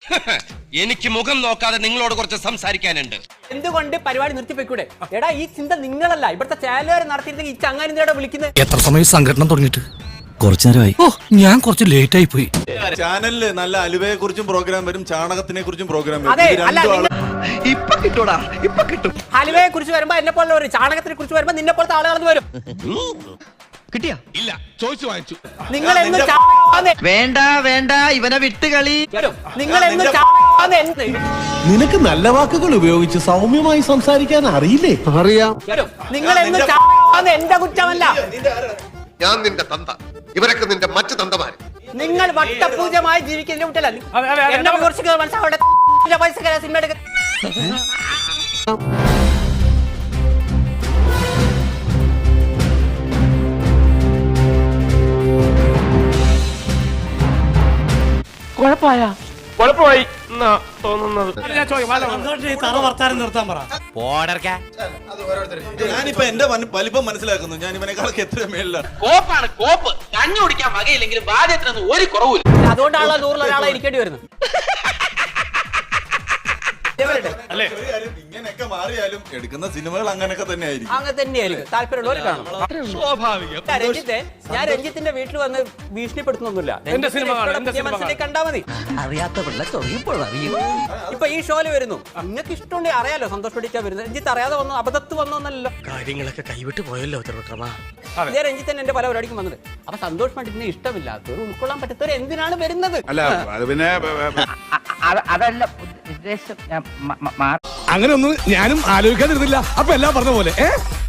എനിക്ക് മുഖം നോക്കാതെ നിങ്ങളോട് കുറച്ച് സംസാരിക്കാനുണ്ട്. എന്തുകൊണ്ട് പരിപാടി നിർത്തിപ്പോയിക്കൂടെ? എടാ ഈ ചിന്ത നിങ്ങളല്ല, ഇവിടുത്തെ ചാനലുകാർ നടത്തിയിരുന്നെങ്കിൽ ഈ ചങ്ങാനിന്ദയുടെ വിളിക്കുന്നത്. എത്ര സമയം സംഘടന തുടങ്ങിയിട്ട്? കുറച്ചു നേരമായി. ഓ, ഞാൻ കുറച്ച് ലേറ്റ് ആയി പോയി. ചാനലില് നല്ല അലുവയെ കുറിച്ചും പ്രോഗ്രാം വരും, ചാണകത്തിനെ കുറിച്ചും പ്രോഗ്രാം വരും. ഹലുവയെ കുറിച്ച് വരുമ്പോ എന്നെ പോലെ വരും, ചാണകത്തിനെ കുറിച്ച് വരുമ്പോ നിന്നെ പോലത്തെ ആളുകൾ വരും. കിട്ടിയാ? ഇല്ല, ചോദിച്ചു വാങ്ങിച്ചു. നിങ്ങൾ എന്ന് വേണ്ട വേണ്ട ഇവനെ വിട്ടുകളി. നിങ്ങൾ എന്ന് നിനക്ക് നല്ല വാക്കുകൾ ഉപയോഗിച്ച് സൗമ്യമായി സംസാരിക്കാൻ അറിയില്ലേ? അറിയാം. നിങ്ങൾ എന്ന് എന്റെ കുറ്റമല്ല. ഞാൻ നിന്റെ തന്ത, ഇവരൊക്കെ നിന്റെ മറ്റു തന്തമാര്. നിങ്ങൾ വട്ടപൂജമായി ജീവിക്കുന്നതിന്റെ കുറ്റല്ല. എന്നെ കുറിച്ച് മനസ്സിലാവട്ടെ. പൈസ സിനിമ എടുക്ക. കുഴപ്പമായി തോന്നുന്നത്. ഞാനിപ്പോ എന്റെ വലിപ്പം മനസ്സിലാക്കുന്നു. ഞാൻ ഇവനെക്കാളൊക്കെ എത്ര മേളിലാണ്. കോപ്പാണ് കോപ്പ്. കഞ്ഞു കുടിക്കാൻ വകയില്ലെങ്കിലും ബാധ്യത്തിനൊന്നും ഒരു കുറവില്ല. അതുകൊണ്ടാണല്ലോ 100 ഒരാളെ ഇരിക്കേണ്ടി വരുന്നത്. ഇങ്ങനെയൊക്കെ മാറിയാലും എടുക്കുന്ന സിനിമകൾ അങ്ങനെയൊക്കെ തന്നെ ആയിരിക്കും. അങ്ങനെ തന്നെയായിരിക്കും. താല്പര്യമുള്ളവർ കാണും. സ്വാഭാവികം. ഞാൻ രഞ്ജിത്തിന്റെ വീട്ടിൽ വന്ന് ഭീഷണിപ്പെടുത്തുന്നൊന്നുമില്ല. എന്റെ മനസ്സിലേക്ക് കണ്ടാ മതി. അറിയാത്ത പിള്ള ചൊറിയപ്പോൾ അറിയും. ഇപ്പൊ ഈ ഷോയില് വരുന്നു, നിങ്ങൾക്ക് ഇഷ്ടമുണ്ടെങ്കിൽ അറിയാലോ. സന്തോഷ് പഠിച്ചാ വരുന്നത്. രഞ്ജിത്ത് അറിയാതെ വന്നു, അബദ്ധത്ത് വന്നോന്നല്ലോ. കാര്യങ്ങളൊക്കെ കൈവിട്ട് പോയല്ലോ. ഇതേ രഞ്ജിത്ത് തന്നെ എന്റെ പല പരിപാടിക്കും വന്നത്. അപ്പൊ സന്തോഷ് പണ്ഡിറ്റിനെ ഇഷ്ടമില്ലാത്തവർ, ഉൾക്കൊള്ളാൻ പറ്റാത്തവർ എന്തിനാണ് വരുന്നത്? അതല്ല ഉദ്ദേശം. അങ്ങനെ ഒന്നും ഞാനും ആലോചിക്കാതിരുന്നില്ല. അപ്പൊ എല്ലാം പറഞ്ഞ പോലെ